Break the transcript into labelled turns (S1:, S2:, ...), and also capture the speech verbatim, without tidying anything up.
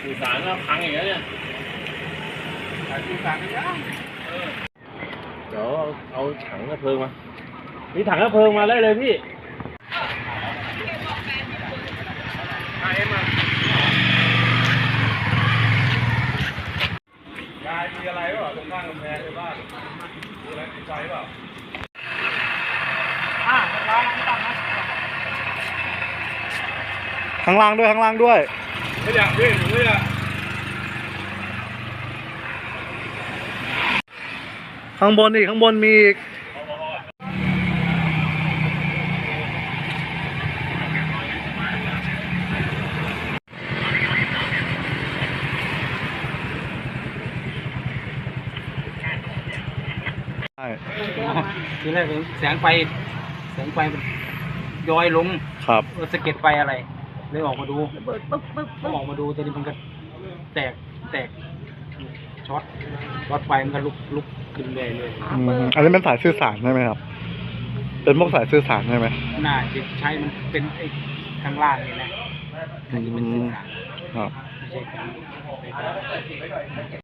S1: สื่อสารก็พังอย่างเงี้ยเนี่ยสื่อสารไม่ได้เดี๋ยวเอาถังกระเพลิงมามีถังกระเพลิงมาได้เลยพี่ไอ้มายายมีอะไรเปล่าตรงข้างกำแพงในบ้านมีอะไรติดไฟเปล่าอ่าข้างล่างนะ
S2: ข้างล่างด้วยข้างล่างด้วย
S1: ไม่อยากพี่หนูไม่อยาก
S2: ข้างบนอีกข้างบนมีอีกใช่
S3: ทีแรกแสงไฟแสงไฟมันย้อยลง
S2: ครับ
S3: สะเก็ดไฟอะไรเลยออกมาดูเปิดปึ๊บปึ๊บปึ๊บออกมาดูตอนนี้มันก็แตกแตกช็อตช็อตไฟมันก็ลุกลุกขึ้นเลยเลย
S2: อันนี้เป็นสายสื่อสารใช่ไหมครับเป็นพวกสายสื่อสารใช่ไหม
S3: น่าจะใช้มันเป็นไอ้ข้างล่างนี่นะอันนี้เป็นสื่อสาร
S2: ครับ
S3: ไม่ใช่การ